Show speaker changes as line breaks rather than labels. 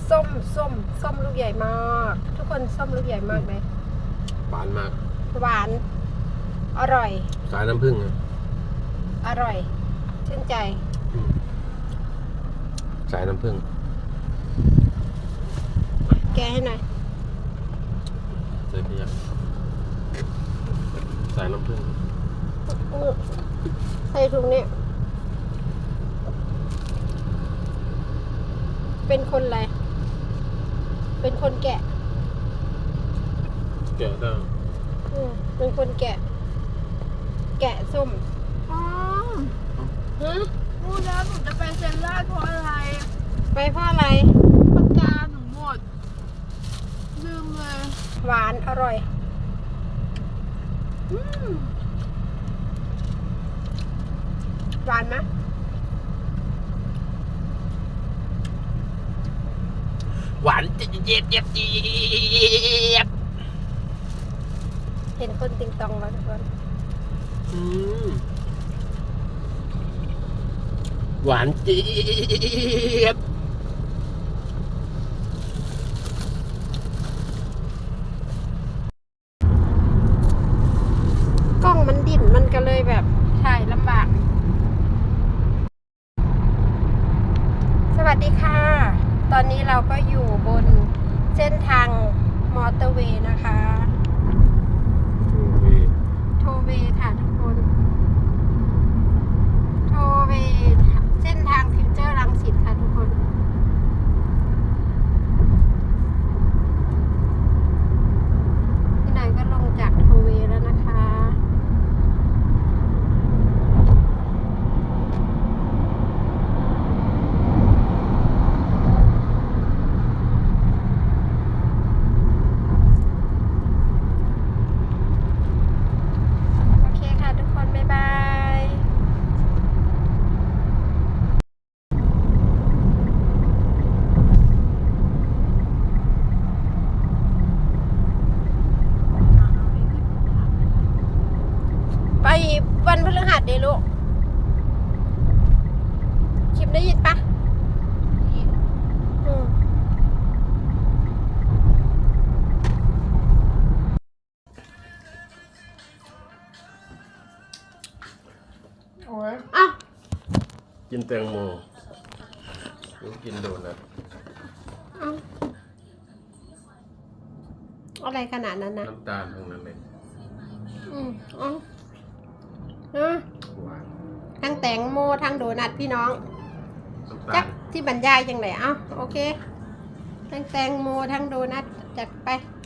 ส้มลูกใหญ่มากทุกคนส้มลูกใหญ่มากไหม
หวานมาก
หวานอร่อย
สายน้ำผึ้ง
อร่อยชื่นใจ
สายน้ำผึ้ง
แกะให้หน่อย
ใส่เพียงสายน้ำผึ้ง
ใส่ถุงนี้เป็นคนอะไรเป็นคนแกะ
ได้
เป็นคนแกะส้ม
พูดแล้วหนูจะไปเซ็นลาดเพราะอะไร
ไปเพราะอะไร
ปากกาหนูหมดลืมเลย
หวานอร่อยหวานไหม
หวานเจี๊ยบ
เห็นคนติงตองแล้วทุกคน
หวานเจี๊ยบ
กล้องมันดิ่นมันก็เลยแบบถ่ายลำบากสวัสดีค่ะตอนนี้เราก็อยู่บนเส้นทางมอเตอร์เวย์นะคะโทเวย์ค่ะทุกคนโทเวย์เส้นทางฟิวเจอร์รังสิตค่ะทุกคนพี่นายก็ลงจากโทเวย์แล้วนะคะไปวันพฤหัสเดี๋ยวลูกคลิปได้ยินปะโอ้ยอ่ะ
กินแตงโมหรือกินโดนัท
อะไรขนาดนั้นนะ
น้ำตาลทั้งนั้นเลย
ทั้งแตงโมทั้งโดนัทพี่น้องจักที่บรรยายจังไหนโอเคทั้งแตงโมทั้งโดนัทจัดไป